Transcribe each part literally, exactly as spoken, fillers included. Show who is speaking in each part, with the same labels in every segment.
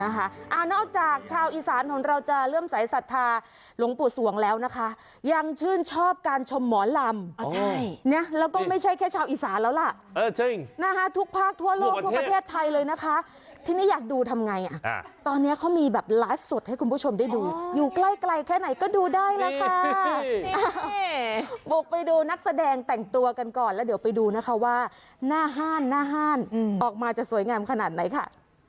Speaker 1: นะคะอ่านอกจากชาวอีสานของเราจะเลื่อมใสศรัทธาหลวงปู่สวงแล้วนะคะยังชื่นชอบการชมหมอลำใช่เนี่ยแล้วก็ไม่ใช่แค่ชาวอีสานแล้วล่ะ
Speaker 2: เออจริง
Speaker 1: นะคะทุกภาคทั่วโลกทั่วประเทศไทยเลยนะคะที่นี่อยากดูทำไงอ่ะตอนนี้เขามีแบบไลฟ์สดให้คุณผู้ชมได้ดูอยู่ใกล้ๆแค่ไหนก็ดูได้ละค่ะบุกไปดูนักแสดงแต่งตัวกันก่อนแล้วเดี๋ยวไปดูนะคะว่าหน้าห้านหน้าห้านออกมาจะสวยงามขนาดไหนค่ะ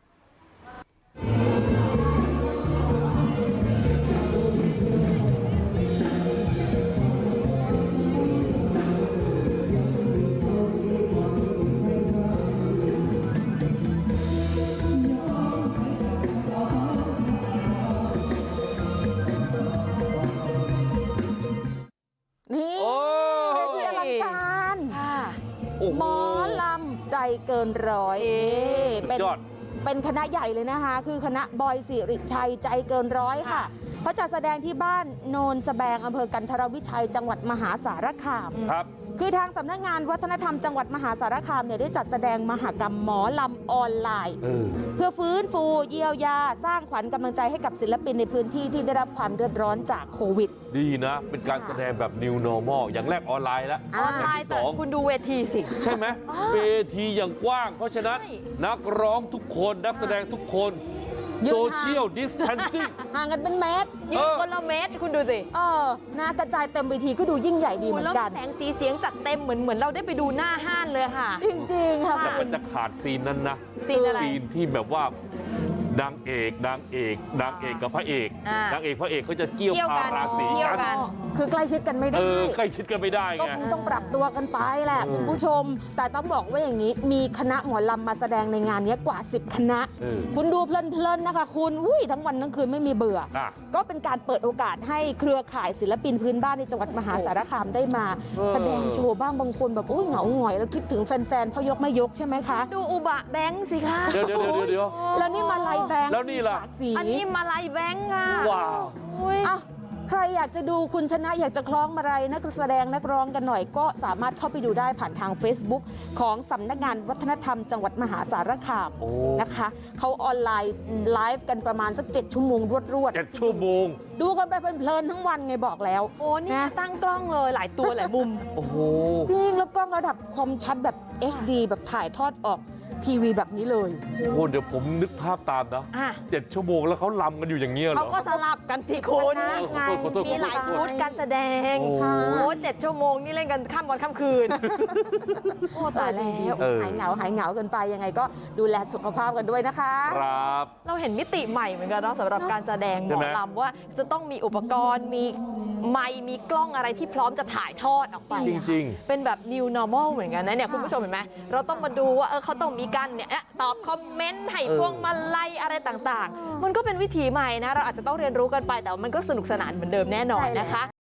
Speaker 1: นี่เวทีอลังการหมอลำใจเกินร้อยเป็นเป็นคณะใหญ่เลยนะคะคือคณะบอยสิริชัยใจเกินร้อยค่ะเขาจัดแสดงที่บ้านโนนสแบงอำเภอกันทรวิชัยจังหวัดมหาสารคามครับคือทางสำนักงานวัฒนธรรมจังหวัดมหาสารคามเนี่ยได้จัดแสดงมหกรรมหมอลำออนไลน์เพื่อฟื้นฟูเยียวยาสร้างขวัญกำลังใจให้กับศิลปินในพื้นที่ที่ได้รับความเดือดร้อนจากโควิด
Speaker 2: ดีนะเป็นการแสดงแบบ New Normal อย่างแรกออนไลน์แล้ว
Speaker 3: ออนไลน์แต่คุณดูเวทีสิ
Speaker 2: ใช่ไหมเวทีอย่างกว้างเพราะฉะนั้นนักร้องทุกคนนักแสดงทุกคนโซเชียลดิสแทนซิ่ง
Speaker 1: ห่างกันเป็นเมตร
Speaker 3: ยืนคนละเมตรคุณดูสิ
Speaker 1: เออน่ากระจายเต็มเวทีก็ดูยิ่งใหญ่ดีเหมือนกัน
Speaker 3: แสงสีเสียงจัดเต็มเหมือนเหมือนเราได้ไปดูหน้าห้านเลยค่ะ
Speaker 1: จริงๆค่ะ
Speaker 2: แต่มันจะขาดซีนนั้นนะ
Speaker 3: ซีนอะไร
Speaker 2: ซีนที่แบบว่านางเอกนางเอกนางเอกกับพระเอกนางเอกพระเอกเขาจะเกี่ยวพาราศี
Speaker 1: กันคือใกล้ชิดกันไม่ได้
Speaker 2: เออใกล้ชิดกันไม่ได้ไง
Speaker 1: ก็คงต้องปรับตัวกันไปแหละคุณผู้ชมแต่ต้องบอกว่าอย่างนี้มีคณะหมอลำมาแสดงในงานนี้กว่าสิบคณะคุณดูเพลินๆนะคะคุณอุ้ยทั้งวันทั้งคืนไม่มีเบื่อก็เป็นการเปิดโอกาสให้เครือข่ายศิลปินพื้นบ้านในจังหวัดมหาสารคามได้มาแสดงโชว์บ้างบางคนแบบอุ้ยเหงาหงอยแล้วคิดถึงแฟนๆพ่อยกไม่ยกใช่ไหมคะ
Speaker 3: ดูอุบะแบงค์สิคะ
Speaker 2: เดี๋ยวเดี๋ยวเดี๋ยว
Speaker 1: แล้วนี่มาลายแบงค์
Speaker 2: แล้วนี่ล่ะ
Speaker 3: อันนี้มาลายแบงค์อ่ะ
Speaker 2: ว้าว
Speaker 1: อ่ะใครอยากจะดูคุณชนะอยากจะคล้องมาลัยนักแสดงนักร้องกันหน่อยก็สามารถเข้าไปดูได้ผ่านทาง Facebook ของสำนักงานวัฒนธรรมจังหวัดมหาสารคามนะคะเขาออนไลน์ไลฟ์กันประมาณสักเจ็ดชั่วโมงรวด
Speaker 2: ๆเจ็ดชั่วโมง
Speaker 1: ดูกันไปเพลินๆทั้งวันไงบอกแล้ว
Speaker 3: โอ้นี่ตั้งกล้องเลยหลายตัวหลายมุม
Speaker 2: โอ้โห
Speaker 1: จริงแล้วกล้องระดับคมชัดแบบ เอช ดี แบบถ่ายทอดออกทีวีแบบนี้เลย
Speaker 2: โอ้เดี๋ยวผมนึกภาพตามนะเจ็ดชั่วโมงแล้วเขาลำกันอยู่อย่างเงี้ยเหรอ
Speaker 3: เขาก็สลับกันสิคุณมีหลายชุดการแสดงโอ้เจ็ดชั่วโมงนี่เล่นกันข้ามวันข้ามคืน
Speaker 1: โอ้ตายแล้วหายเหงาหายเหงากันไปยังไงก็ดูแลสุขภาพกันด้วยนะคะ
Speaker 2: ครับ
Speaker 3: เราเห็นมิติใหม่เหมือนกันเนาะสำหรับการแสดงหมอลำว่าจะต้องมีอุปกรณ์มีไมค์มีกล้องอะไรที่พร้อมจะถ่ายทอดออกไป
Speaker 2: จริง
Speaker 3: ๆเป็นแบบ New Normal เหมือนกันนะเนี่ยคุณผู้ชมเห็นไหมเราต้องมาดูว่าเออเขาต้องมีกันเนี่ยตอบคอมเมนต์ให้พวงมาลัยอะไรต่างๆมันก็เป็นวิถีใหม่นะเราอาจจะต้องเรียนรู้กันไปแต่มันก็สนุกสนานเหมือนเดิมแน่นอนนะคะ